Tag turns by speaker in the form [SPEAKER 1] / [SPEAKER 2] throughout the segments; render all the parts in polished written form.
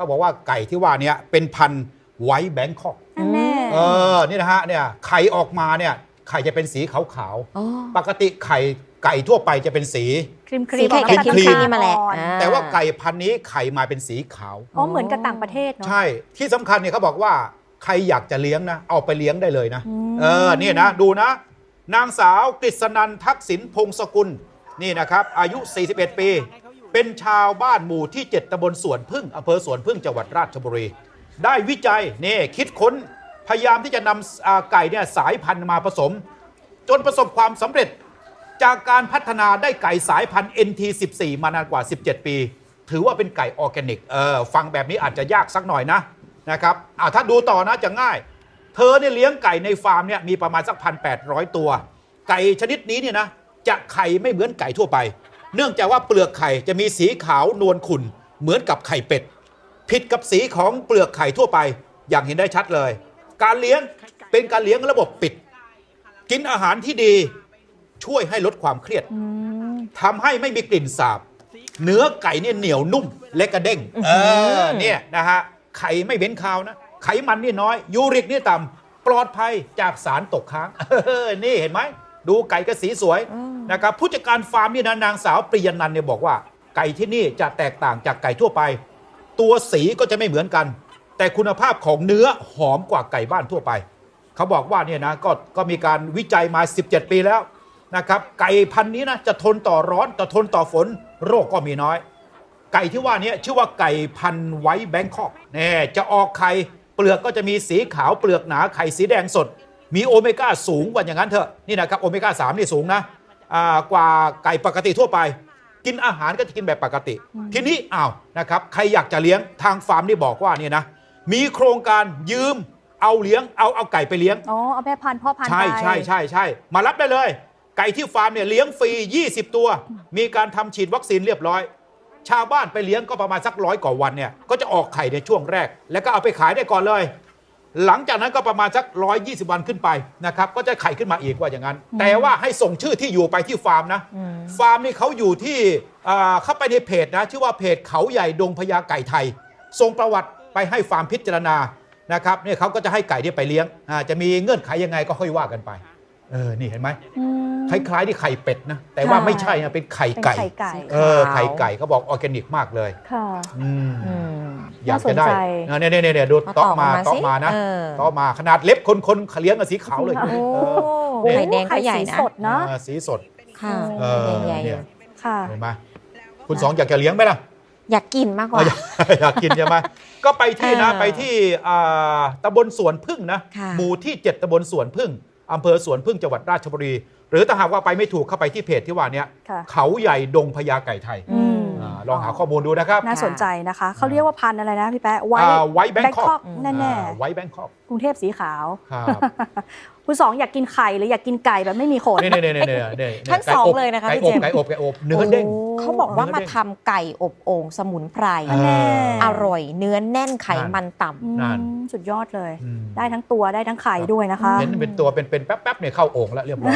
[SPEAKER 1] เขาบอกว่าไก่ที่ว่านี้เป็นพันธุ์ไวท์แบงคอกนี่นะฮะเนี่ยไข่ออกมาเนี่ยไข่จะเป็นสีขาวๆปกติไก่ทั่วไปจะเป็นสี
[SPEAKER 2] ครีม
[SPEAKER 1] ครีม
[SPEAKER 2] มาแหละ
[SPEAKER 1] แต่ว่าไก่พันธุ์นี้ไข่มาเป็นสีขาว
[SPEAKER 2] เหมือนกับต่างประเทศเนาะ
[SPEAKER 1] ใช่ที่สำคัญเนี่ยเขาบอกว่าใครอยากจะเลี้ยงนะเอาไปเลี้ยงได้เลยนะนี่นะดูนะนางสาวกฤษนันท์ทักษิณพงศกุลนี่นะครับอายุ41ปีเป็นชาวบ้านหมู่ที่7ตำบลสวนพึ่งอำเภอสวนพึ่งจังหวัดราชบุรีได้วิจัยนี่คิดค้นพยายามที่จะนำไก่เนี่ยสายพันธุ์มาผสมจนประสบความสำเร็จจากการพัฒนาได้ไก่สายพันธุ์ NT14 มานานกว่า17ปีถือว่าเป็นไก่ออร์แกนิกฟังแบบนี้อาจจะยากสักหน่อยนะครับถ้าดูต่อนะจะง่ายเธอเนี่ยเลี้ยงไก่ในฟาร์มเนี่ยมีประมาณสัก 1,800 ตัวไก่ชนิดนี้เนี่ยนะจะไข่ไม่เหมือนไก่ทั่วไปเนื่องจากว่าเปลือกไข่จะมีสีขาวนวลขุ่นเหมือนกับไข่เป็ดผิดกับสีของเปลือกไข่ทั่วไปอย่างเห็นได้ชัดเลยการเลี้ยงเป็นการเลี้ยงระบบปิดกินอาหารที่ดีช่วยให้ลดความเครียดทำให้ไม่มีกลิ่นสาบเนื้อไก่เนี่ยเหนียวนุ่มและกระเด้งเนี่ยนะฮะไข่ไม่เหม็นคาวนะไขมันนี่น้อยยูริกนี่ต่ำปลอดภัยจากสารตกค้างนี่เห็นไหมดูไก่ก็สีสวยนะครับผู้จัดการฟาร์มนี่นะนางสาวปริยนันท์เนี่ยบอกว่าไก่ที่นี่จะแตกต่างจากไก่ทั่วไปตัวสีก็จะไม่เหมือนกันแต่คุณภาพของเนื้อหอมกว่าไก่บ้านทั่วไปเขาบอกว่าเนี่ยนะก็มีการวิจัยมา17ปีแล้วนะครับไก่พันธุ์นี้นะจะทนต่อร้อนจะทนต่อฝนโรคก็มีน้อยไก่ที่ว่านี้ชื่อว่าไก่พันธุ์ไวท์แบงคอกเนี่ยจะออกไข่เปลือกก็จะมีสีขาวเปลือกหนาไข่สีแดงสดมีโอเมก้าสูงกว่าอย่างนั้นเถอะนี่นะครับโอเมก้า3นี่สูงนะกว่าไก่ปกติทั่วไปกินอาหารก็จะกินแบบปกติทีนี้นะครับใครอยากจะเลี้ยงทางฟาร์มนี่บอกว่าเนี่ยนะมีโครงการยืมเอาเลี้ยงเอาไก่ไปเลี้ยง
[SPEAKER 2] เอาแม่พันธุ์พ่อพันธุ์
[SPEAKER 1] ใช่มารับได้เลยไก่ที่ฟาร์มเนี่ยเลี้ยงฟรี20ตัวมีการทำฉีดวัคซีนเรียบร้อยชาวบ้านไปเลี้ยงก็ประมาณสัก100 กว่าวันเนี่ยก็จะออกไข่ในช่วงแรกแล้วก็เอาไปขายได้ก่อนเลยหลังจากนั้นก็ประมาณสัก120 วันขึ้นไปนะครับก็จะไข่ขึ้นมาอีกว่าอย่างนั้นแต่ว่าให้ส่งชื่อที่อยู่ไปที่ฟาร์มนะฟาร์มนี่เขาอยู่ที่เข้าไปในเพจนะชื่อว่าเพจเขาใหญ่ดงพญาไก่ไทยส่งประวัติไปให้ฟาร์มพิจารณานะครับเนี่ยเขาก็จะให้ไก่เนี่ยไปเลี้ยงจะมีเงื่อนไขยังไงก็ค่อยว่ากันไปนี่เห็นไหมคล้ายๆที่ไข่เป็ดนะแต่ว่าไม่ใช่นะเป็นไข่ไก่ไข่ไก่เขาบอกออร์แกนิกมากเลยอยากจะได้เนี่ยดูต๊อกมานะต๊อกมาขนาดเล็บคนเลี้ยงกับสีขาวเลย
[SPEAKER 2] ไข่แดงก็ใหญ่นะสดเนาะ
[SPEAKER 1] สีสด
[SPEAKER 2] ค่ะใหญ่ค่ะ
[SPEAKER 1] เห็นไหมคุณสองอยากจะเลี้ยงไหมล่ะ
[SPEAKER 2] อยากกินมากกว่า
[SPEAKER 1] อยากกินใช่ไหมก็ไปที่ตำบลสวนพึ่งนะหมู่ที่7ตำบลสวนพึ่งอำเภอสวนพึ่งจังหวัดราชบุรีหรือถ้าหากว่าไปไม่ถูกเข้าไปที่เพจที่ว่านี้เขาใหญ่ดงพญาไก่ไทยลองหาข้อมูลดูนะครับ
[SPEAKER 2] น่าสนใจนะคะเขาเรียกว่าพันธุ์อะไรนะพี่แป๊ะไวท์แบงคอกแน่ๆ
[SPEAKER 1] ไวท์แบงคอก
[SPEAKER 2] กรุงเทพสีขาวคุณสองอยากกินไข่หรืออยากกินไก่แบบไม่มีขน
[SPEAKER 3] ทั้งสองเลยนะคะพี่เจมส์
[SPEAKER 1] ไก่อบเนื้อเด้ง
[SPEAKER 3] เขาบอกว่ามาทำไก่อบโอ่งสมุนไพรอร่อยเนื้อแน่นไขมันต่
[SPEAKER 2] ำสุดยอดเลยได้ทั้งตัวได้ทั้งไข่ด้วยนะคะ
[SPEAKER 1] เห็นเป็นตัวเป็นแป๊บๆเนี่ยเข้าโอ่งแล้วเรียบร้อย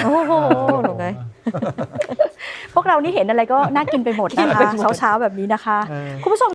[SPEAKER 2] พวกเรานี่เห็นอะไรก็น่ากินไปหมดนะคะเช้าๆแบบนี้นะคะคุณผู้ชม